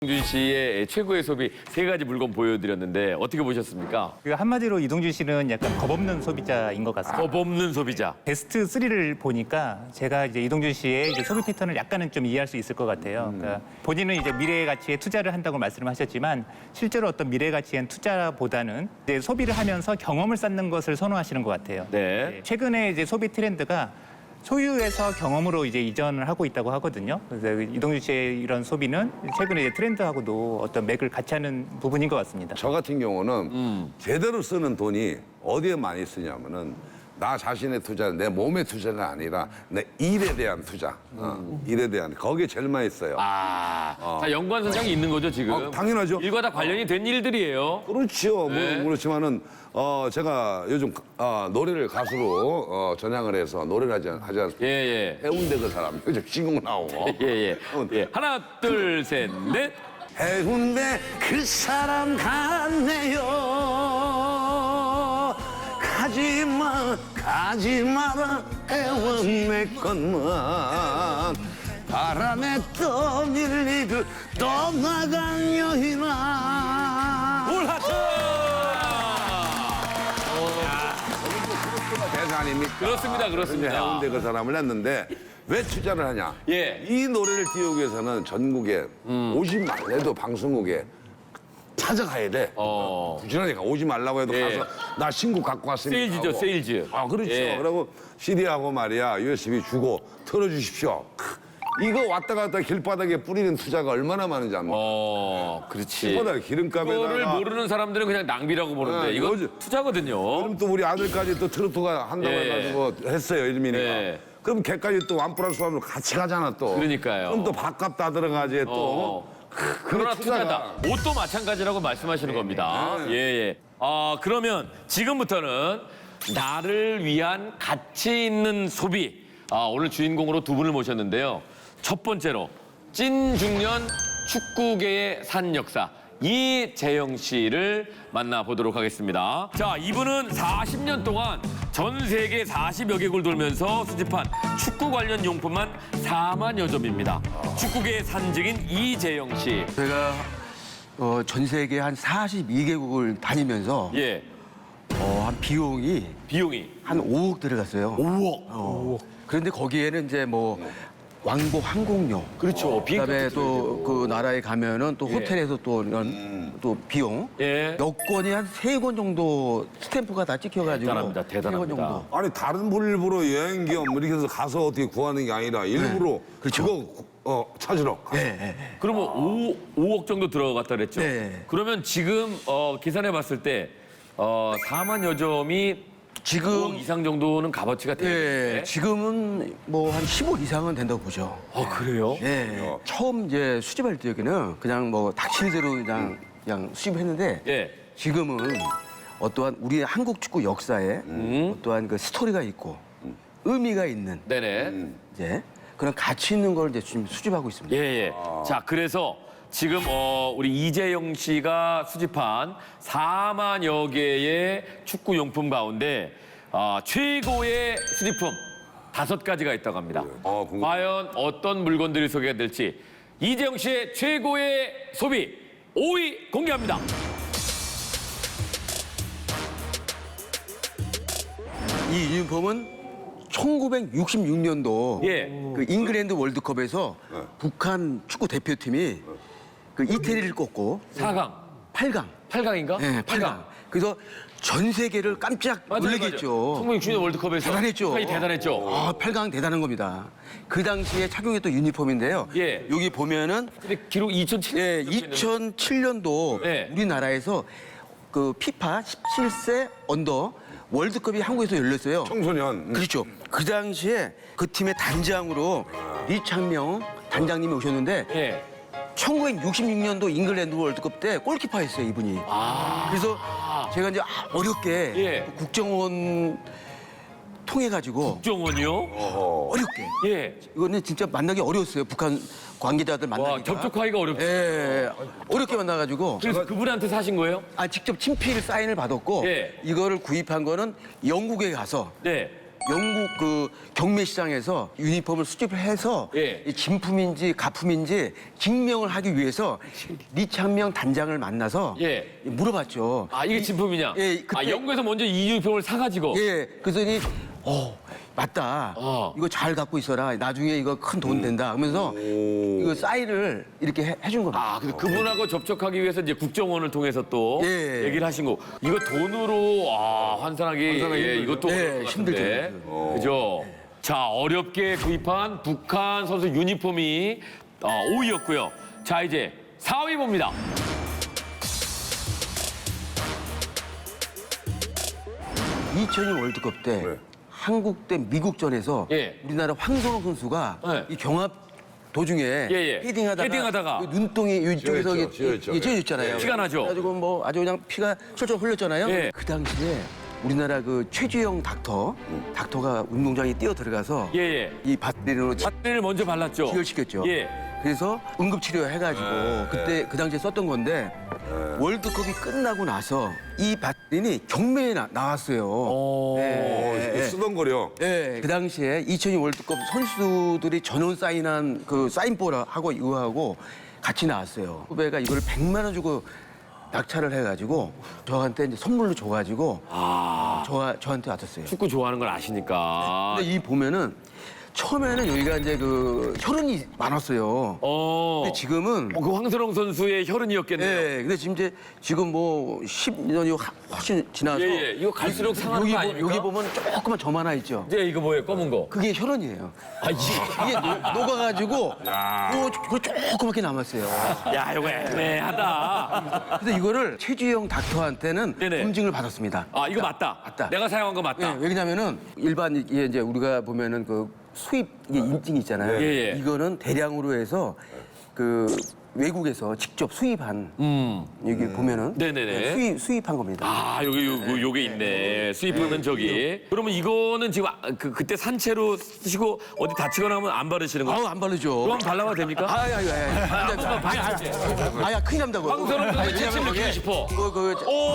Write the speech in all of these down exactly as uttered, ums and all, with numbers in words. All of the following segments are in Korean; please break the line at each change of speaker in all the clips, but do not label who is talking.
이동준 씨의 최고의 소비 세 가지 물건 보여드렸는데 어떻게 보셨습니까?
그 한마디로 이동준 씨는 약간 겁없는 소비자인 것 같습니다.
겁 없는 소비자.
베스트 쓰리를 보니까 제가 이제 이동준 씨의 이제 소비 패턴을 약간은 좀 이해할 수 있을 것 같아요.
음.
그러니까 본인은 이제 미래 가치에 투자를 한다고 말씀하셨지만 실제로 어떤 미래 가치엔 투자보다는 이제 소비를 하면서 경험을 쌓는 것을 선호하시는 것 같아요.
네.
최근에 이제 소비 트렌드가 소유에서 경험으로 이제 이전을 하고 있다고 하거든요. 그래서 이동준 씨의 이런 소비는 최근에 이제 트렌드하고도 어떤 맥을 같이 하는 부분인 것 같습니다.
저 같은 경우는
음.
제대로 쓰는 돈이 어디에 많이 쓰냐면은 나 자신의 투자, 내 몸의 투자가 아니라 내 일에 대한 투자, 어, 일에 대한 거기에 제일 많이 써요.
아, 자, 연관선상이 있는 거죠 지금?
어, 당연하죠.
일과 다 관련이 된 일들이에요.
그렇죠.
네.
뭐 그렇지만은 어 제가 요즘 어, 노래를 가수로 어, 전향을 해서 노래를 하지, 않- 하지 않습니까?
예, 예.
해운대 그 사람 요즘 신곡 나오고.
예, 예.
해운대.
예. 하나, 둘, 셋, 넷.
해운대 그 사람 갔네요. 가지마 가지 마라 해운대 것만 바람에 떠밀리듯 떠나간 여인아.
올하트!
대사 아닙니까?
그렇습니다, 그렇습니다.
해운대 그 사람을 했는데 왜 투자를 하냐?
예.
이 노래를 띄우기 위해서는 전국에 오지 말래도 방송국에 찾아가야 돼.
어.
부지런히 가. 오지 말라고 해도
예.
가서 나 신곡 갖고 왔으니까.
세일즈죠,
하고.
세일즈.
아 그렇죠.
예.
그리고 씨디하고 말이야 유에스비 주고 틀어주십시오. 크, 이거 왔다 갔다 길바닥에 뿌리는 투자가 얼마나 많은지 압니까?
어, 그렇지.
길바닥에
이거를
기름값에다가.
모르는 사람들은 그냥 낭비라고 보는데
네,
이건
요즘-
투자거든요.
그럼 또 우리 아들까지 또 트로트가 한다고
예.
해가지고 했어요 이름이니까.
예.
그럼 걔까지 또 완 플러스 완으로 같이 가잖아 또.
그러니까요.
그럼 또 밥값 다 들어가지 또.
어. 그러나 투자다. 옷도 마찬가지라고 말씀하시는 겁니다.
네.
예, 예. 아, 그러면 지금부터는 나를 위한 가치 있는 소비. 아, 오늘 주인공으로 두 분을 모셨는데요. 첫 번째로 찐 중년 축구계의 산 역사 이재영 씨를 만나보도록 하겠습니다. 자, 이분은 사십 년 동안 전 세계 사십여 개국을 돌면서 수집한 축구 관련 용품만 사만여 점입니다. 축구계의 산증인 이재영 씨.
제가 어, 전 세계 한 사십이 개국을 다니면서
예,
어, 한 비용이
비용이
한 오억 들어갔어요.
오억.
어. 그런데 거기에는 이제 뭐 왕복 항공료,
그렇죠. 비행값도
그다음에
들어야
또 그 나라에 가면은 또
예.
호텔에서 또 이런 또 비용,
예.
여권이 한 세 권 정도 스탬프가 다 찍혀가지고
대단합니다,
세 권
대단합니다.
정도.
아니 다른 분 일부러 여행 겸 이렇게 해서 가서 어떻게 구하는 게 아니라 일부러
그렇죠.
그거 어, 찾으러. 가.
예, 예.
그러면 오, 오억 정도 들어갔다 그랬죠?
네.
그러면 지금 어, 계산해 봤을 때 어, 사만여 점이
지금
오억 이상 정도는 값어치가 되는데.
예, 지금은 뭐 한 십억 이상은 된다고 보죠.
아, 그래요?
예. 처음 이제 수집할 때는 그냥 뭐 닥치는 대로 그냥 그냥 수집했는데
예.
지금은 어떠한 우리 한국 축구 역사에 어떠한 그 스토리가 있고 의미가 있는
네네.
이제 그런 가치 있는 걸 이제 지금 수집하고 있습니다.
예, 예. 자, 그래서 지금 어, 우리 이재영 씨가 수집한 사만여 개의 축구 용품 가운데 어, 최고의 수집품 다섯 가지가 있다고 합니다.
어, 궁금해.
과연 어떤 물건들이 소개가 될지 이재영 씨의 최고의 소비 오 위 공개합니다.
이 유니폼은 천구백육십육 년도
예.
그 잉글랜드 월드컵에서 북한 축구 대표팀이 그 이태리를 꺾고
사 강,
팔 강.
팔 강인가?
네, 팔 강. 그래서 전 세계를 깜짝 놀라겠죠.
천구백육십 년 월드컵에서
대단했죠.
북한이 대단했죠.
아, 팔 강 대단한 겁니다. 그 당시에 착용했던 유니폼인데요.
예.
여기 보면은
근데 기록 이천칠 년.
예, 이천칠 년도
네.
우리나라에서 그 피파 십칠 세 언더 월드컵이 한국에서 열렸어요.
청소년. 음.
그렇죠. 그 당시에 그 팀의 단장으로 리창명 단장님이 오셨는데
예.
천구백육십육 년도 잉글랜드 월드컵 때 골키퍼 했어요, 이분이. 그래서 제가 이제 아, 어렵게
예.
국정원 통해가지고
국정원이요?
어렵게.
예.
이거는 진짜 만나기 어려웠어요, 북한 관계자들 만나기가.
와, 접촉하기가 어렵죠.
예, 예, 어렵게 만나가지고.
그래서 그분한테 사신 거예요?
아, 직접 친필 사인을 받았고
예.
이거를 구입한 거는 영국에 가서
네.
영국 그 경매 시장에서 유니폼을 수집을 해서
예.
이 진품인지 가품인지 증명을 하기 위해서 리창명 단장을 만나서
예.
물어봤죠.
아, 이게 진품이냐?
예, 그때-
아, 영국에서 먼저 이 유니폼을 사가지고.
예, 그랬더니 어 맞다.
어.
이거 잘 갖고 있어라. 나중에 이거 큰 돈 된다. 하면서 이거 사인을 이렇게 해, 해준 겁니다.
아, 근데 그분하고 접촉하기 위해서 이제 국정원을 통해서 또
예.
얘기를 하신 거. 이거 돈으로 아, 환산하기 예, 이것도
예,
어려울 것 같은데.
힘들죠.
그죠? 자, 어렵게 구입한 북한 선수 유니폼이 어, 오 위였고요. 자, 이제 사 위 봅니다.
이천이 월드컵 때
네.
한국 대 미국전에서
예.
우리나라 황선홍 선수가
네.
이 경합 도중에
예, 예.
헤딩하다가,
헤딩하다가.
그 눈동이 이쪽에서
쥐어있죠, 쥐어있죠.
찢어졌잖아요.
피가 나죠?
그래가지고 뭐 아주 그냥 피가 철철 흘렸잖아요.
예.
그 당시에 우리나라 그 최주영 닥터, 닥터가 운동장에 뛰어 들어가서
예, 예.
이 바디로
바트를 먼저 발랐죠.
기혈시켰죠.
예.
그래서 응급치료 해가지고 그때 그 당시에 썼던 건데 월드컵이 끝나고 나서 이 바디니 경매에 나, 나왔어요.
어.
어,
예.
쓰던 거려.
네, 그 당시에 이천이 월드컵 선수들이 전원 사인한 그 사인볼하고 이거하고 같이 나왔어요. 후배가 이거를 백만 원 주고 낙찰을 해가지고 저한테 이제 선물로 줘가지고
아,
저, 저한테 왔었어요.
축구 좋아하는 걸 아시니까.
근데 이 보면은 처음에는 여기가 이제 그 혈흔이 많았어요.
어.
근데 지금은
어, 그 황선홍 선수의 혈흔이었겠네요.
네, 근데 지금 이제 지금 뭐 십 년이 훨씬 지나서
예, 예. 이거 갈수록 상하는
여기,
거
보-
아닙니까?
여기 보면 조그만 점 하나 있죠.
이제 이거 뭐예요? 검은 거.
그게 혈흔이에요.
아, 이게.
이게 녹- 녹아가지고 그거 조그맣게 남았어요.
야, 이거 애매하다.
그래서 이거를 최주영 닥터한테는
네네.
검증을 받았습니다.
아, 이거 맞다.
맞다.
내가 사용한 거 맞다.
예, 왜냐면은 일반 이게 이제 우리가 보면은 그 수입 이게 인증 있잖아요.
예, 예.
이거는 대량으로 해서 그 외국에서 직접 수입한
음.
여기 보면은
네네네.
수입 수입한 겁니다.
아, 여기 요, 요게 있네. 수입하는 저기. 그러면 이거는 지금 아, 그, 그때 산채로 쓰시고 어디 다치거나 하면 안 바르시는 거예요?
아우 안 바르죠.
그럼 발라봐도 됩니까?
아야 아야 아야 아야 큰일 난다고.
황선홍 선수
아니,
채찍
왜냐면
느끼고
그게
싶어.
이거 그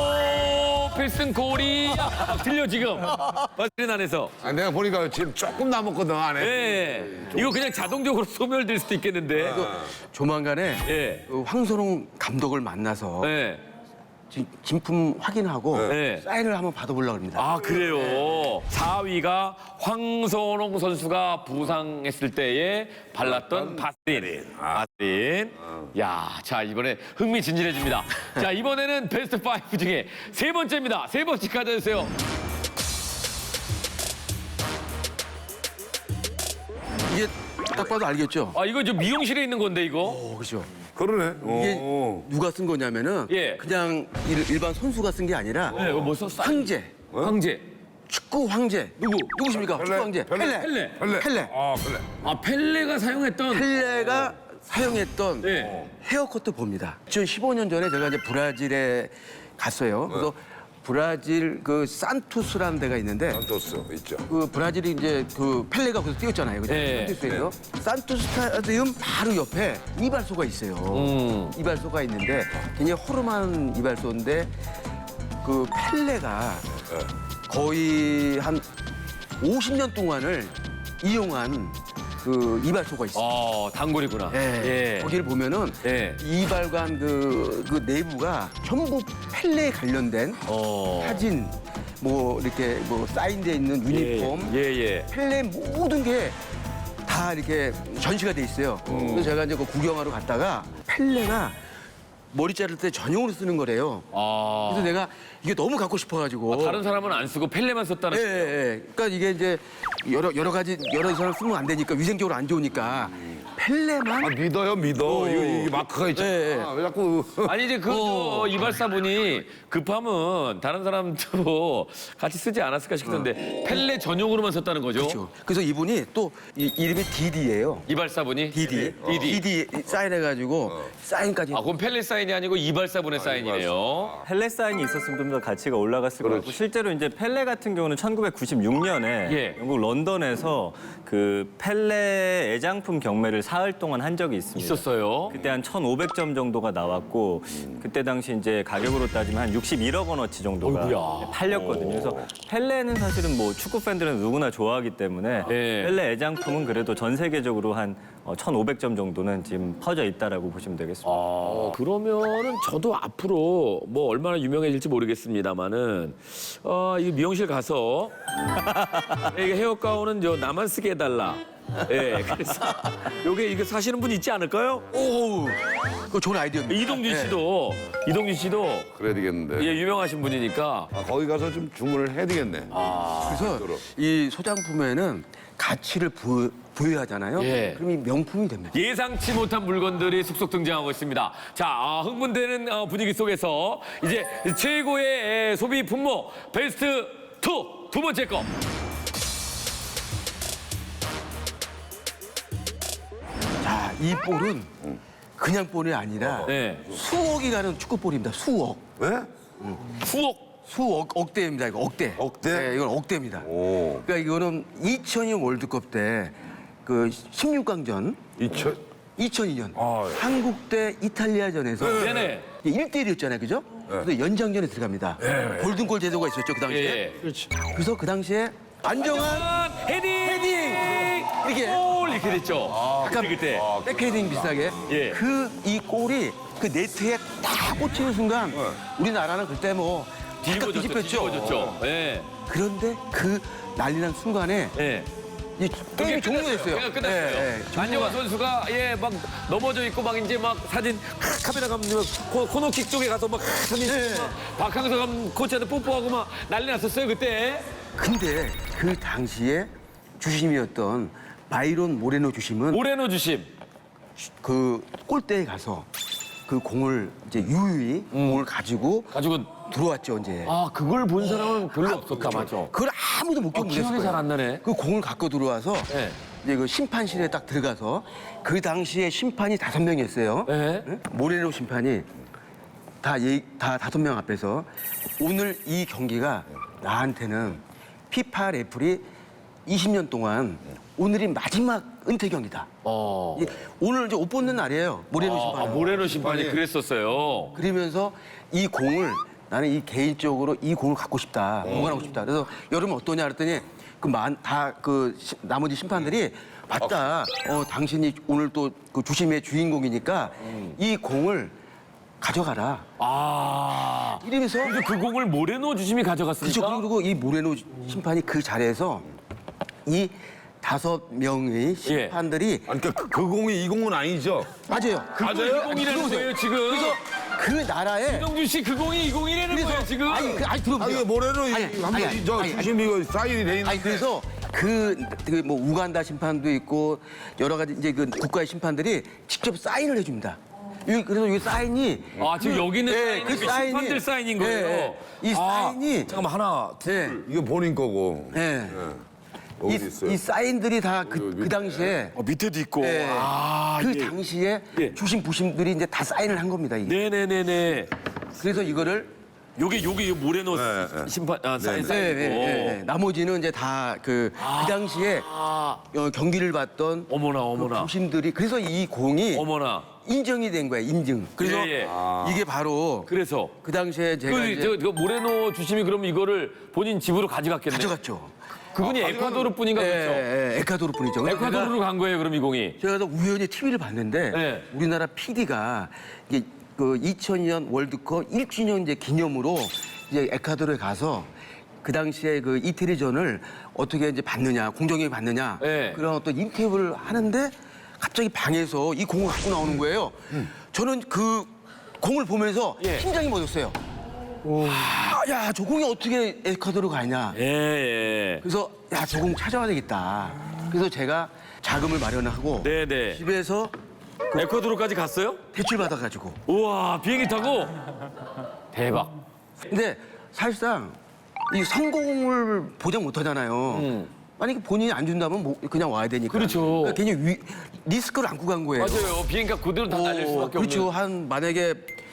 오, 필승 골이 막 들려 지금. 마스린 안에서.
아, 내가 보니까 지금 조금 남았거든, 안에.
예. 이거 그냥 자동적으로 소멸될 수도 있겠는데.
조만간에
예.
그 황선홍 감독을 만나서
예.
지- 진품 확인하고
네.
사인을 한번 받아보려고 합니다.
아, 그래요. 사 위가 황선홍 선수가 부상했을 때에 발랐던 바스린. 바스린. 야, 자, 이번에 흥미진진해집니다. 자, 이번에는 베스트 파이브 중에 세 번째입니다. 세 번째 가져주세요.
이게 딱 봐도 알겠죠?
아, 이거 저 미용실에 있는 건데, 이거?
어, 그렇죠.
그러네.
이게
오.
누가 쓴 거냐면은
예.
그냥 일- 일반 선수가 쓴 게 아니라
네, 이거 뭐 썼어?
황제,
황제.
축구 황제. 누구? 누구십니까? 축구 황제. 펠레.
펠레.
펠레.
펠레.
아, 펠레.
아, 펠레가 사용했던.
펠레가 사용했던
네.
헤어컷도 봅니다. 이천십오 년 전에 제가 이제 브라질에 갔어요. 그래서 브라질 그 산투스라는 데가 있는데
산토스 있죠.
그 브라질이 이제 그 펠레가 거기서 뛰었잖아요. 그죠?
네.
산투스에서. 산투스 스타디움 바로 옆에 이발소가 있어요.
음.
이발소가 있는데 굉장히 허름한 이발소인데 그 펠레가 거의 한 오십 년 동안을 이용한 그 이발소가 있어요.
어, 단골이구나.
예. 거기를 보면은
예.
이발관 그, 그 내부가 전부 펠레에 관련된
어.
사진, 뭐 이렇게 뭐 사인돼 있는 유니폼,
예, 예.
펠레 모든 게 다 이렇게 전시가 돼 있어요. 그래서 제가 이제 그 구경하러 갔다가 펠레가 머리 자를 때 전용으로 쓰는 거래요.
아.
그래서 내가 이게 너무 갖고 싶어가지고.
다른 사람은 안 쓰고 펠레만 썼다는.
예, 예, 예. 그러니까 이게 이제 여러 여러 가지 여러 사람 쓰면 안 되니까 위생적으로 안 좋으니까 펠레만
아, 믿어요, 믿어. 이거, 이게 마크가 있잖아.
예, 예.
왜 자꾸.
아니 이제 그 저 이발사분이 급하면 다른 사람도 같이 쓰지 않았을까 싶던데 펠레 전용으로만 썼다는 거죠?
그렇죠. 그래서 이분이 또 이, 이름이 디디예요.
이발사분이?
디디.
디디.
디디 사인해가지고 사인까지.
아 그럼 펠레 사인 사인이 아니고 이발사분의 사인이네요.
펠레 사인이 있었으면 좀 더 가치가 올라갔을 것 같고
그렇지.
실제로 이제 펠레 같은 경우는 천구백구십육 년에
예.
영국 런던에서 그 펠레 애장품 경매를 사흘 동안 한 적이 있습니다.
있었어요.
그때 한 천오백 점 정도가 나왔고 그때 당시 이제 가격으로 따지면 한 육십일억 원어치 정도가
어이구야.
팔렸거든요. 그래서 펠레는 사실은 뭐 축구 팬들은 누구나 좋아하기 때문에
예.
펠레 애장품은 그래도 전 세계적으로 한 천오백 점 정도는 지금 퍼져 있다라고 보시면 되겠습니다.
아, 그러면은 저도 앞으로 뭐 얼마나 유명해질지 모르겠습니다만은 어, 이 미용실 가서 이게 헤어 가운은 저 나만 쓰게 해달라. 예, 그래서 요게 이거 사시는 분 있지 않을까요?
오, 그거 좋은 아이디어입니다.
이동준 씨도 이동준 씨도
그래야 되겠는데.
예, 유명하신 분이니까
아, 거기 가서 좀 주문을 해야 되겠네.
그래서 이 소장품에는 가치를 부, 부여하잖아요.
예.
그럼 이 명품이 됩니다.
예상치 못한 물건들이 속속 등장하고 있습니다. 자, 아, 흥분되는 어, 분위기 속에서 이제 최고의 에, 소비 품목 베스트 투 두 번째 거.
자, 이 볼은 그냥 볼이 아니라
네.
수억이 가는 축구볼입니다. 수억.
왜?
수억.
수억, 억대입니다. 이거 억대.
억대?
네, 이건 억대입니다.
오.
그러니까 이거는 이천이 년 월드컵 때 그 십육 강전
이천?
이천이 년
아, 예.
한국 대 이탈리아전에서
네네.
일 대 일이었잖아요. 그죠? 그래서 연장전에 들어갑니다. 골든골 제도가 있었죠. 그 당시에.
예.
그래서 그 당시에 안정환
헤딩!
헤딩! 이렇게
골 이렇게 됐죠.
약간
그때.
백헤딩 비슷하게
예.
그 이 골이 그 네트에 딱 꽂히는 순간 우리나라는 그때 뭐 약간
뒤집어졌죠.
뒤집혔죠.
뒤집어졌죠. 예.
그런데 그 난리난 순간에
예.
이 게임이 종료됐어요.
그냥 끝났어요.
예, 예.
안정환 선수가 예 막 넘어져 있고 막 이제 막 사진 카메라 감독 코, 코너킥 쪽에 가서 막 사진
예.
찍고 막 박항서 감 코치한테 뽀뽀하고 막 난리 났었어요 그때.
근데 그 당시에 주심이었던 바이론 모레노 주심은
모레노 주심.
그 골대에 가서 그 공을 이제 유유히 공을 가지고
가지고
들어왔죠 이제.
아 그걸 본 사람은 별로 없었다 맞죠.
그걸 아무도 못
어,
견디겠어요.
기억이 잘 안 나네.
그 공을 갖고 들어와서
네.
이제 그 심판실에 딱 들어가서 그 당시에 심판이 다섯 명이었어요.
네.
응? 모레노 심판이 다, 예, 다 다섯 명 앞에서 오늘 이 경기가 나한테는 피파 레플이 이십 년 동안 오늘이 마지막 은퇴 경기다.
어.
이- 오늘 이제 옷 벗는 날이에요. 모레노 심판.
아, 모레노 심판이 그랬었어요.
그러면서 이 공을 나는 이 개인적으로 이 공을 갖고 싶다. 보관하고 싶다. 그래서 여러분 어떠냐 그랬더니 그다그 나머지 심판들이 맞다. 어 당신이 오늘 또 그 주심의 주인공이니까 이 공을 가져가라.
아.
이러면서
근데 그 공을 모레노 주심이 가져갔습니까?
그렇죠. 그리고 이 모레노 심판이 그 자리에서 이 다섯 명의 심판들이
아니, 그러니까 그, 그 공이 이 공은 아니죠?
맞아요. 그
맞아요? 공이라는 거예요 지금.
그래서 그 나라에
이동준 씨 그 공이 이 공이라는 거예요 지금.
아니, 그, 아니 들어보세요.
아니, 모레노
아니,
한번
아니, 아니,
저
아니, 아니.
주심 이거 사인이 돼 있는.
아니 그래서 그 뭐 우간다 심판도 있고 여러 가지 이제 그 국가의 심판들이 직접 사인을 해줍니다. 이- 그래서 이 사인이
아 지금 여기 있는
예,
사인은 그 심판들 사인인 거예요.
예, 예. 이
아,
사인이
잠깐만 하나.
예,
이거 본인 거고.
예.
여기
이,
있어요.
이 사인들이 다 그 그 당시에
어, 밑에도 있고.
예,
아,
그
예.
당시에
예.
주심 부심들이 이제 다 사인을 한 겁니다. 이게.
네네네네.
그래서 이거를
요게 요게 모레노
네, 네.
심판 아, 사인
네,
사인이고.
네, 네, 네. 나머지는 이제 다 그 그 당시에
아,
어, 경기를 봤던
어머나 어머나.
부심들이 그래서 이 공이
어머나.
인정이 된 거예요. 인증. 그래서
예, 예.
이게 바로
그래서
그 당시에 제가
그,
이제
저, 그 모레노 주심이 그럼 이거를 본인 집으로 가져갔겠네요.
가져갔죠.
그분이 에콰도르 분인가
예,
그렇죠?
예, 에콰도르 분이죠. 근데
에콰도르로 간 거예요 그럼 이 공이.
제가, 제가 우연히 티비를 봤는데
네.
우리나라 피디가 이게 그 이천이 년 월드컵 일 주년 이제 기념으로 이제 에콰도르에 가서 그 당시에 그 이태리전을 어떻게 이제 봤느냐, 공정하게 봤느냐
네.
그런 어떤 인터뷰를 하는데 갑자기 방에서 이 공을 갖고 나오는 거예요. 저는 그 공을 보면서
예.
심장이 멎었어요. 아, 야, 저 공이 어떻게 에콰도르 가냐.
예, 예.
그래서 야, 저 공 찾아와야 되겠다. 그래서 제가 자금을 마련하고
네네.
집에서
에콰도르까지 갔어요?
대출 받아가지고.
우와 비행기 타고 대박.
근데 사실상 이 성공을 보장 못 하잖아요. 만약에 본인이 안 준다면 뭐 그냥 와야 되니까.
그렇죠.
그러니까 괜히 위, 리스크를 안고 간 거예요.
맞아요. 비행기가 그대로 다 날릴
어,
수밖에
그렇죠.
없는.
한 만약에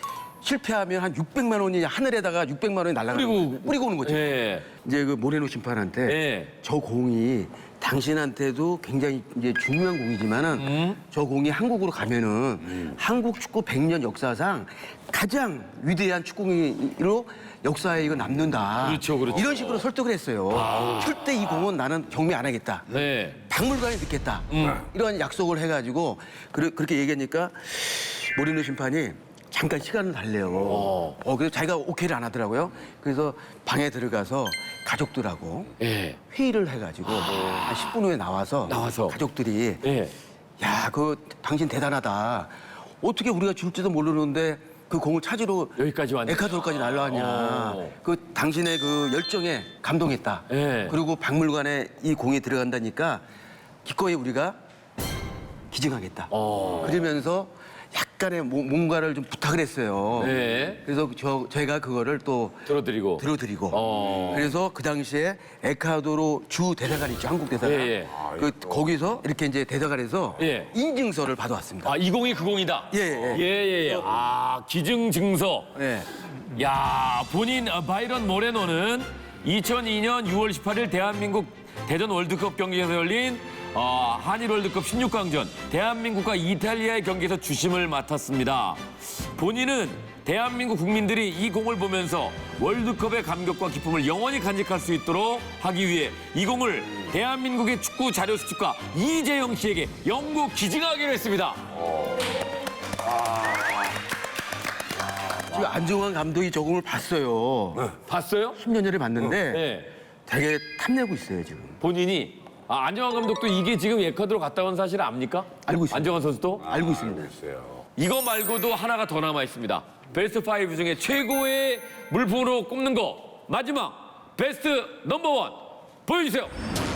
실패하면 한 육백만 원이 하늘에다가 육백만 원이 날아가는
뿌리고-
거예요. 뿌리고 오는 거죠.
예.
이제 그 모레노 심판한테
예.
저 공이 당신한테도 굉장히 이제 중요한 공이지만은
음.
저 공이 한국으로 가면은 한국 축구 백 년 역사상 가장 위대한 축구공으로 역사에 이거 남는다.
그렇죠, 그렇죠.
이런 식으로 설득을 했어요. 절대 이 공은 나는 경매 안 하겠다.
네.
박물관에 넣겠다.
음.
이런 약속을 해가지고 그르- 그렇게 얘기하니까 모리노 심판이 잠깐 시간을 달래요.
어.
어, 그래서 자기가 오케이를 안 하더라고요. 그래서 방에 들어가서 가족들하고
예.
회의를 해가지고 한 십 분 후에 나와서,
나와서.
가족들이
예.
야, 그 당신 대단하다. 어떻게 우리가 줄지도 모르는데 그 공을 찾으러
여기까지 왔냐.
에콰도르까지 날라왔냐.
어.
그 당신의 그 열정에 감동했다.
예.
그리고 박물관에 이 공이 들어간다니까 기꺼이 우리가 기증하겠다.
어.
그러면서 약간의 뭐- 뭔가를 좀 부탁을 했어요.
네.
그래서 저 제가 그거를 또
들어드리고.
들어드리고.
어.
그래서 그 당시에 에콰도르 주 대사관 있죠, 한국 대사관.
예, 예.
그 거기서 이렇게 이제 대사관에서
예.
인증서를 받아왔습니다.
아, 이 공이 그 공이다.
예, 예.
예, 예, 예. 아, 기증 증서.
예.
야, 본인 어, 바이런 모레노는 이천이 년 유월 십팔일 대한민국 대전 월드컵 경기에서 열린 어, 한일 월드컵 십육 강전 대한민국과 이탈리아의 경기에서 주심을 맡았습니다. 본인은 대한민국 국민들이 이 공을 보면서 월드컵의 감격과 기쁨을 영원히 간직할 수 있도록 하기 위해 이 공을 대한민국의 축구 자료 수집가 이재영 씨에게 영구 기증하기로 했습니다.
지금 안정환 감독이 저 공을 봤어요.
봤어요?
십 년 전에 봤는데
네.
되게 탐내고 있어요, 지금.
본인이 아, 안정환 감독도 이게 지금 에콰도르 갔다 온 사실 압니까?
알고 있습니다.
안정환 선수도?
알고 있습니다.
이거 말고도 하나가 더 남아 있습니다. 베스트 파이브 중에 최고의 물품으로 꼽는 거 마지막 베스트 넘버원 보여주세요.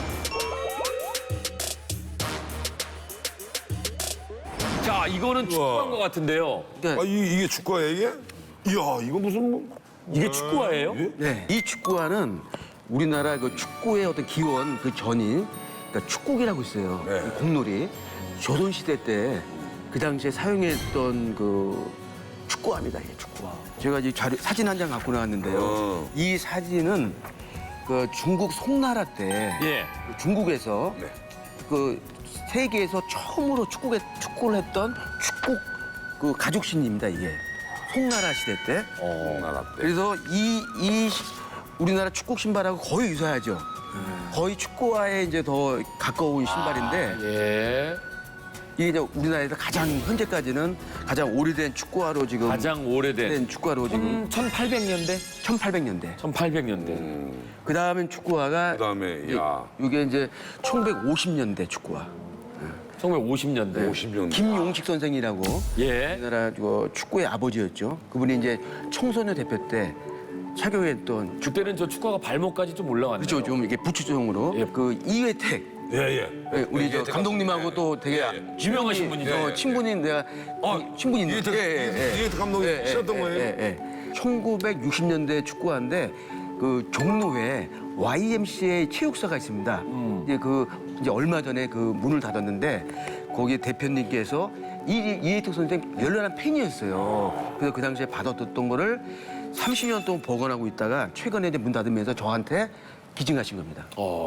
자, 이거는 축구한 것 같은데요.
그러니까
아, 이, 이게 축구야 이게? 이야, 이거 무슨 뭐...
이게 축구화예요?
네. 이 축구화는 우리나라 그 축구의 어떤 기원 그 전이 그러니까 축구기라고 있어요.
네.
그 공놀이 조선 시대 때 그 당시에 사용했던 그 축구화입니다. 이게 축구화. 제가 이 자료 사진 한 장 갖고 나왔는데요.
어.
이 사진은 그 중국 송나라 때
예.
중국에서
네.
그 세계에서 처음으로 축구에 축구를 했던 축구 그 가죽신입니다. 이게 송나라 시대 때.
어.
나라 때.
그래서 이, 이 시- 우리나라 축구 신발하고 거의 유사하죠. 거의 축구화에 이제 더 가까운 신발인데
예.
이게 이제 우리나라에서 가장 현재까지는 가장 오래된 축구화로 지금
가장 오래된
된 축구화로 지금
천팔백 년대?
천팔백 년대.
천팔백 년대.
그 다음엔 축구화가
그다음에 야
이게 이제 천구백오십 년대 축구화.
천구백오십 년대.
오십 년.
김용식 선생이라고
예.
우리나라 그 축구의 아버지였죠. 그분이 이제 청소년 대표 때 착용했던 축
그때는 저 축구가 발목까지 좀 올라왔네요.
그렇죠. 좀 이렇게 부추종으로
예.
그 이회택
예, 예.
예, 우리 저
이회택
감독님하고 또 되게
유명하신 분이죠.
어, 친분인 내가 어, 친분인
이회택- 이회택 감독이 치셨던 거예요?
예, 예. 천구백육십 년대 축구화인데 그 종로에 와이엠씨에이 체육사가 있습니다. 이제 그 이제 얼마 전에 그 문을 닫았는데 거기 대표님께서 이 이혜택 선생 열렬한 팬이었어요. 그래서 그 당시에 받았던 거를 삼십 년 동안 보관하고 있다가 최근에 이제 문 닫으면서 저한테 기증하신 겁니다.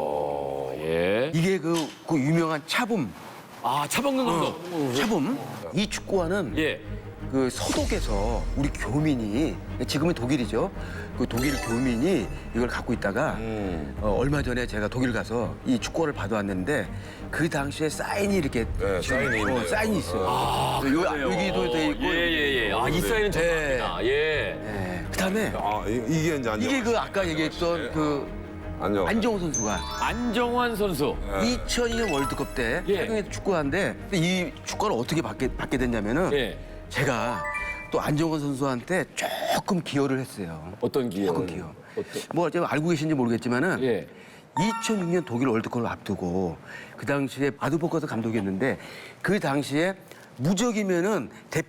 어, 예.
이게 그, 그 유명한 차붐,
아, 차범근 감독.
차붐. 이 축구화는
예.
그 서독에서 우리 교민이 지금은 독일이죠. 그 독일 교민이 이걸 갖고 있다가 어, 얼마 전에 제가 독일 가서 이 축구화를 받아왔는데 그 당시에 사인이 이렇게
네,
지금,
사인이 있네요.
어, 사인이 있어요. 요, 여기도 돼 있고.
예, 예, 예. 아, 이 사인은 정답입니다. 예.
예. 그다음에
아, 이- 이게 이제 안정.
이게 그 아까 얘기했던 그
안정.
안정호 선수가
안정환 선수.
이천이 년 월드컵 때
예.
착용했던 축구화인데 이 축구화를 어떻게 받게, 받게 됐냐면은
예.
제가 또 안정원 선수한테 조금 기여를 했어요.
어떤 기회?
조금 기여.
어떤?
뭐 제가 알고 계신지 모르겠지만은
예.
이천육 년 독일 월드컵을 앞두고 그 당시에 아드보커스 감독이었는데 그 당시에 무적이면은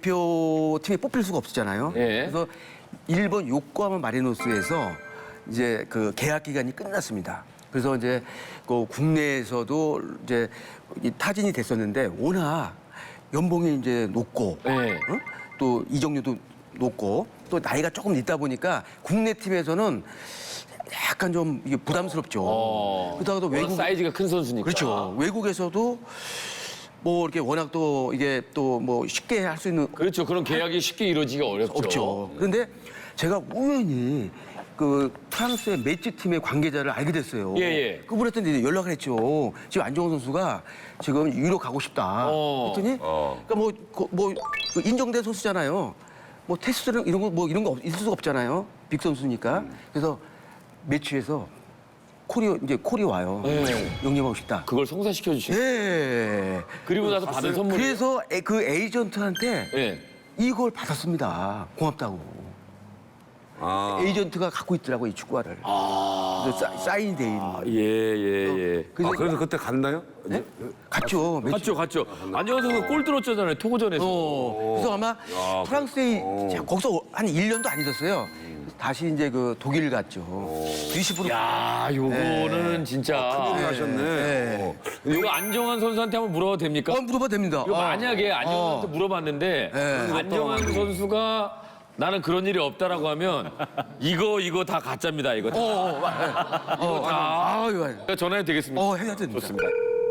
대표팀에 뽑힐 수가 없었잖아요.
예.
그래서 일본 요코하마 마리노스에서 이제 그 계약 기간이 끝났습니다. 그래서 이제 그 국내에서도 이제 이 타진이 됐었는데 워낙 연봉이 이제 높고
예.
어? 또 이적료도 높고 또 나이가 조금 있다 보니까 국내 팀에서는 약간 좀 이게 부담스럽죠.
어.
그러다가 또
워낙
외국
사이즈가 큰 선수니까.
그렇죠. 외국에서도 뭐 이렇게 워낙 또 이게 또 뭐 쉽게 할 수 있는
그렇죠. 그런 계약이 쉽게 이루어지기가 어렵죠.
없죠. 그런데 제가 우연히 그 프랑스의 매치 팀의 관계자를 알게 됐어요.
예, 예.
그분한테 연락을 했죠. 지금 안정환 선수가 지금 유로 가고 싶다.
어.
했더니 그러니까 뭐, 그, 뭐 인정된 선수잖아요. 뭐 테스트는 이런 거 뭐 이런 거 없- 있을 수가 없잖아요. 빅 선수니까. 그래서 매치에서 콜이 이제 콜이 와요.
네.
영입하고 싶다.
그걸 성사시켜 주신.
예.
그리고 나서 받은 선물.
그래서 에- 그 에이전트한테
예.
이걸 받았습니다. 고맙다고.
아.
에이전트가 갖고 있더라고 이 축구화를.
아.
그래서 사- 사인돼 있는.
예, 예, 예.
그래서
아, 그래서 그때 갔나요?
네? 갔죠. 매치.
갔죠, 갔죠. 안정환 선수 골 들었잖아요, 토고전에서.
어, 그래서 아마 프랑스에 제가 거기서 한 일 년도 안 있었어요. 다시 이제 그 독일 갔죠. 리시브로.
야, 요거는 진짜.
네. 하셨네.
네.
어.
이거 안정환 선수한테 한번 물어봐도 됩니까?
어, 물어봐도 됩니다.
이거
어.
만약에 안정환한테 물어봤는데
네.
안정환 선수가 나는 그런 일이 없다라고 하면 이거 이거 다 가짜입니다. 이거 다.
어, 어, 어, 어, 아, 아유, 아유.
전화해도 되겠습니까?
어, 해야 됩니다.
좋습니다.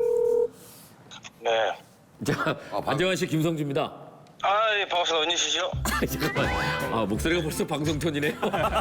네.
자, 안정환 씨 김성주입니다.
아, 예, 반갑습니다. 언니시죠?
잠깐만. 아, 목소리가 벌써 방송 톤이네요.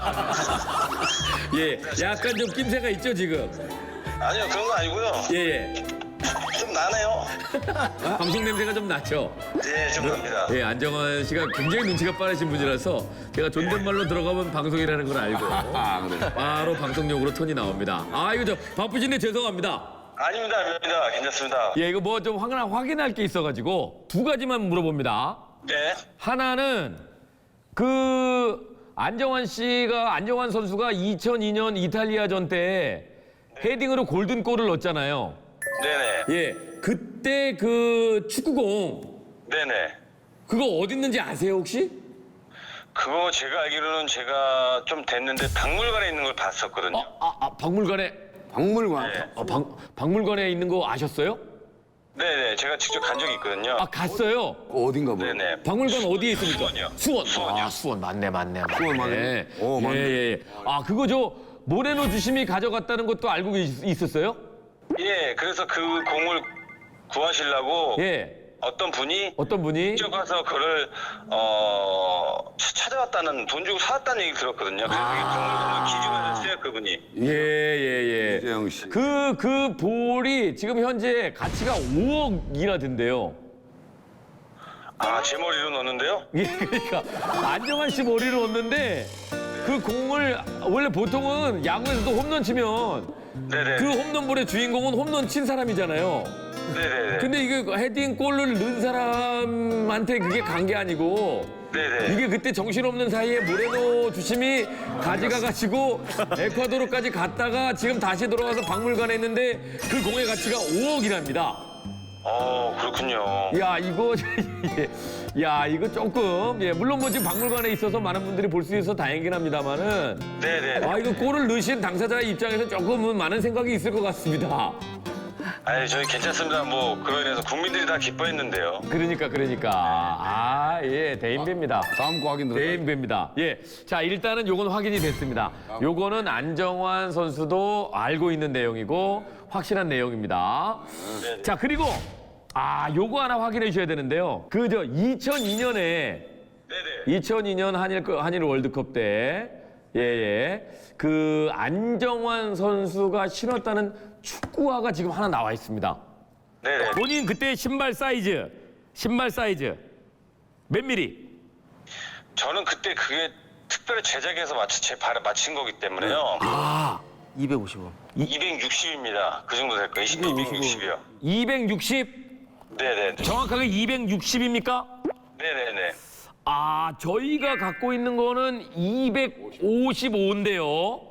예, 약간 좀 낌새가 있죠, 지금.
아니요, 그런 거 아니고요.
예, 예.
좀 나네요.
방송 냄새가 좀 나죠?
네, 좀 납니다.
예, 안정환 씨가 굉장히 눈치가 빠르신 분이라서 제가 존댓말로 들어가면 방송이라는 걸 알고 바로 방송용으로 톤이 나옵니다. 아, 이거 저 바쁘신데 죄송합니다.
아닙니다, 아닙니다. 괜찮습니다.
예, 이거 뭐 좀 확인할 게 있어가지고 두 가지만 물어봅니다.
네.
하나는 그 안정환 씨가 안정환 선수가 이천이 년 이탈리아전 때 헤딩으로 골든골을 넣었잖아요.
네네.
예, 그때 그 축구공
네네.
그거 어디 있는지 아세요 혹시?
그거 제가 알기로는 제가 좀 됐는데 박물관에 있는 걸 봤었거든요.
아, 아, 아 박물관에
박물관.
네.
아, 박, 박물관에 있는 거 아셨어요?
네네. 제가 직접 간 적이 있거든요.
아 갔어요.
어딘가 뭐.
네네.
박물관 어디에 있습니까?
수원이요.
수원.
수원이요.
아 수원 맞네 맞네. 맞네.
수원 맞네. 오, 맞네.
예, 예, 예. 아 그거 저 모레노 주심이 가져갔다는 것도 알고 있, 있었어요?
예, 그래서 그 공을 구하시려고
예.
어떤 분이
어떤 분이?
직접 가서 그를 어 찾아왔다는 돈 주고 사왔다는 얘기 들었거든요. 그래서 이게 박물관을 기증하셨어요, 그분이.
예, 예, 예.
이재영 씨.
그, 그 볼이 지금 현재 가치가 오억이나 된대요.
아, 제 머리로 넣었는데요?
예, 그러니까 안정환 씨 머리를 얻는데 그 공을 원래 보통은 야구에서도 홈런 치면
네네.
그 홈런볼의 주인공은 홈런 친 사람이잖아요.
네네네.
근데 이게 헤딩 골을 넣은 사람한테 그게 간 게 아니고
네네.
이게 그때 정신없는 사이에 모레노 주심이 가져가가지고 에콰도르까지 갔다가 지금 다시 돌아와서 박물관에 있는데 그 공의 가치가 오억이랍니다.
어, 그렇군요.
야 이거 예. 야 이거 조금 예 물론 뭐 지금 박물관에 있어서 많은 분들이 볼 수 있어서 다행이긴 합니다만은
네네.
아 이거 골을 넣으신 당사자의 입장에서 조금은 많은 생각이 있을 것 같습니다.
아니, 저희 괜찮습니다. 뭐, 그로 인해서 국민들이 다 기뻐했는데요.
그러니까 그러니까 아 예 대인배입니다.
다음 거 확인 들어요.
대인배입니다. 예, 자 일단은 요건 확인이 됐습니다. 요거는 안정환 선수도 알고 있는 내용이고 확실한 내용입니다. 자 그리고 아 요거 하나 확인해 주셔야 되는데요. 그 저 이천이 년에
네네.
이천이 년 한일 한일 월드컵 때 예예 그 안정환 선수가 신었다는 축구화가 지금 하나 나와 있습니다.
네네.
본인 그때 신발 사이즈 신발 사이즈 몇 미리?
저는 그때 그게 특별히 제작해서 맞춰, 제 발에 맞춘 거기 때문에요.
아
이백오십오.
이백육십입니다. 그 정도 될 거예요. 이백육십이요.
이백육십
네네네.
정확하게 이백육십입니까?
네네네.
아 저희가 갖고 있는 거는 이백오십오인데요.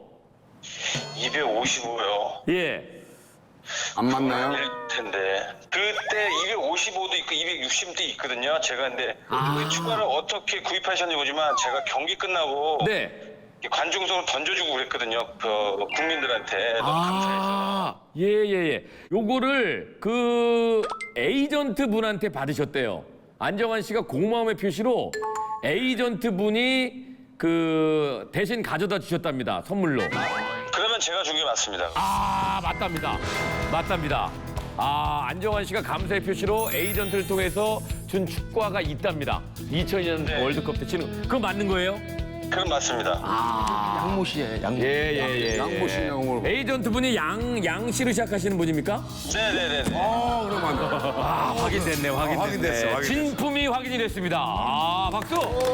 이백오십오요.
예.
안 맞나요?
일 텐데. 그때 이백오십오도 있고 이백육십도 있거든요. 제가 근데 그 축구를 어떻게 구입하셨는지 모르지만 제가 경기 끝나고
네.
관중석으로 던져주고 그랬거든요. 그 국민들한테 너무 감사해서.
아, 예, 예, 예. 요거를 그 에이전트 분한테 받으셨대요. 안정환 씨가 고마움의 표시로 에이전트 분이 그 대신 가져다 주셨답니다. 선물로.
그러면 제가 준 게 맞습니다.
아, 맞답니다. 맞답니다. 아, 안정환 씨가 감사의 표시로 에이전트를 통해서 준 축구화가 있답니다. 이천이 년
네.
월드컵 때 치는. 그거 맞는 거예요?
그럼 맞습니다.
양모 씨의 양모.
예, 예, 예.
양모 씨, 양모.
에이전트 분이 양, 양 씨로 시작하시는 분입니까?
네네네.
어, 그럼 안 돼.
아, 확인됐네, 확인됐네.
확인됐어, 확인됐어.
진품이 확인이 됐습니다. 아, 박수!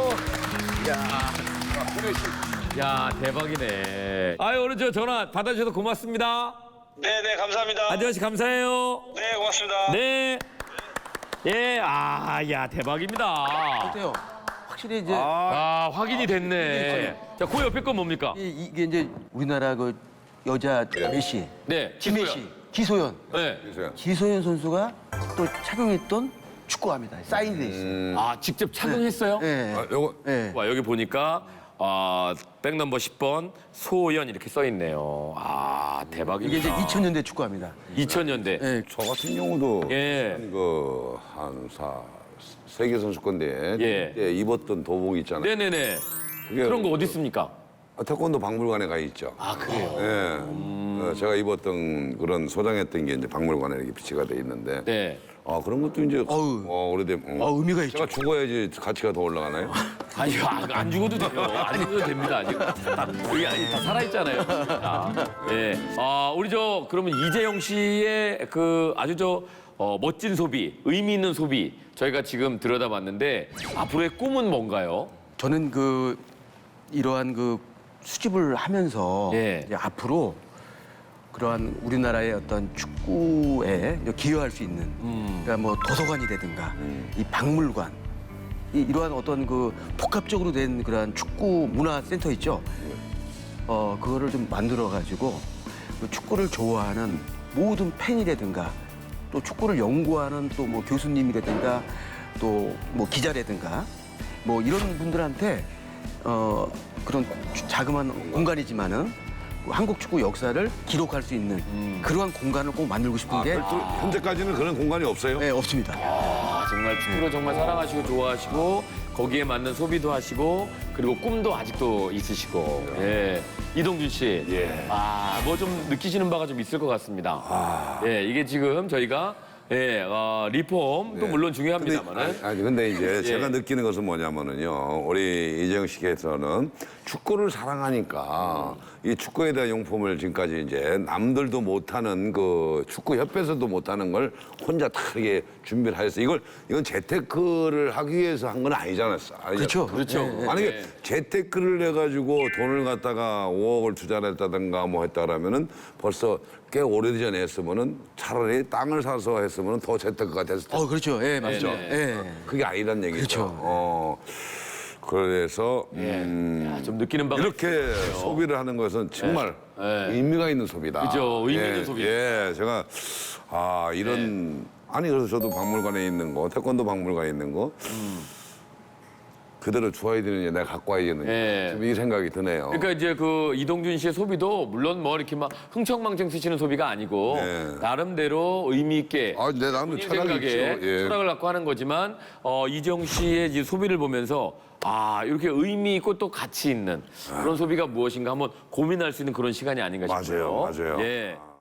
야, 대박이네. 아유, 오늘 저 전화 받아주셔서 고맙습니다.
네네, 감사합니다.
안정환 씨 감사해요.
네, 고맙습니다.
네. 예, 아, 야, 대박입니다.
어때요? 확실히 이제
아, 확인이 됐네. 자, 그 옆에 건 뭡니까?
이- 이게 이제 우리나라 그 여자 메시,
네,
김메시,
기소연.
기소연.
네.
그래서요.
기소연 선수가 또 착용했던 축구화입니다. 사인돼 있어요.
아, 직접 착용했어요?
네.
아, 요거
네.
와, 여기 보니까 아, 백 넘버 십 번 소연 이렇게 써 있네요. 아, 대박입니다.
이게 이제 이천 년대 축구화입니다.
이천 년대.
네.
저 같은 경우도
예.
그한 사 세계 선수권 때
예.
그때 입었던 도복 있잖아요.
네네네.
그게
그런 거 어디 있습니까?
아, 태권도 박물관에 가 있죠.
아, 그래요?
예. 어, 제가 입었던 그런 소장했던 게 이제 박물관에 이렇게 비치가 돼 있는데.
네.
아 그런 것도 이제
어우.
어, 오래된. 어.
아, 의미가 있죠.
제가 죽어야지 가치가 더 올라가나요?
아니, 안, 안 죽어도 돼요. 안 죽어도 됩니다. 아직 다, 여기 아니, 다 살아있잖아요. 아, 예. 아, 우리 저, 그러면 이재영 씨의 그 아주 저, 어, 멋진 소비, 의미 있는 소비, 저희가 지금 들여다봤는데, 앞으로의 꿈은 뭔가요?
저는 그 이러한 그 수집을 하면서
예.
이제 앞으로 그러한 우리나라의 어떤 축구에 기여할 수 있는 그러니까 뭐 도서관이라든가 이 박물관 이, 이러한 어떤 그 복합적으로 된 그러한 축구 문화 센터 있죠. 어 그거를 좀 만들어 가지고 그 축구를 좋아하는 모든 팬이라든가 또 축구를 연구하는 또 뭐 교수님이라든가 또 뭐 기자라든가 뭐 이런 분들한테 어 그런 자그마한 공간이지만은 한국 축구 역사를 기록할 수 있는 그러한 공간을 꼭 만들고 싶은 게
별도 현재까지는 그런 공간이 없어요.
네, 없습니다.
아, 정말 축구를 정말 사랑하시고 좋아하시고, 거기에 맞는 소비도 하시고, 그리고 꿈도 아직도 있으시고, 예. 이동준 씨.
예.
아, 뭐 좀 느끼시는 바가 좀 있을 것 같습니다. 예, 이게 지금 저희가, 예, 어, 리폼도
네.
물론
근데,
중요합니다만은.
아니, 아니, 근데 이제
예.
제가 느끼는 것은 뭐냐면은요. 우리 이재영 씨께서는 축구를 사랑하니까 이 축구에 대한 용품을 지금까지 이제 남들도 못하는 그 축구 협회에서도 못하는 걸 혼자 다 이렇게 준비를 하셨어요. 이걸 이건 재테크를 하기 위해서 한 건 아니잖아요.
그렇죠.
그렇죠.
네.
만약에
네.
재테크를 해가지고 돈을 갖다가 오억을 투자를 했다든가 뭐 했다 그러면은 벌써 꽤 오래전에 했으면은 차라리 땅을 사서 했으면은 더 재테크가 됐을 텐데.
어, 그렇죠. 예, 맞죠.
네,
예.
그게 아니란 얘기죠.
그렇죠.
어, 그래서 음,
야, 좀 느끼는 바가.
이렇게 소비를 하는 것은 정말
네.
의미가 있는 소비다.
그죠, 의미 있는
예,
소비.
예, 제가 아 이런 아니 그래서 저도 박물관에 있는 거, 태권도 박물관에 있는 거 그대로 주어야 되느냐, 내가 갖고 와야 되느냐,
예.
좀 이 생각이 드네요.
그러니까 이제 그 이동준 씨의 소비도 물론 뭐 이렇게 막 흥청망청 쓰시는 소비가 아니고
네.
나름대로 의미 있게
아, 내 나름대로
본인
철학이
생각에
있죠. 예.
철학을 갖고 하는 거지만 어, 이재용 씨의 이제 소비를 보면서 아 이렇게 의미 있고 또 가치 있는 그런 소비가 무엇인가 한번 고민할 수 있는 그런 시간이 아닌가 싶어요.
맞아요, 맞아요.
예.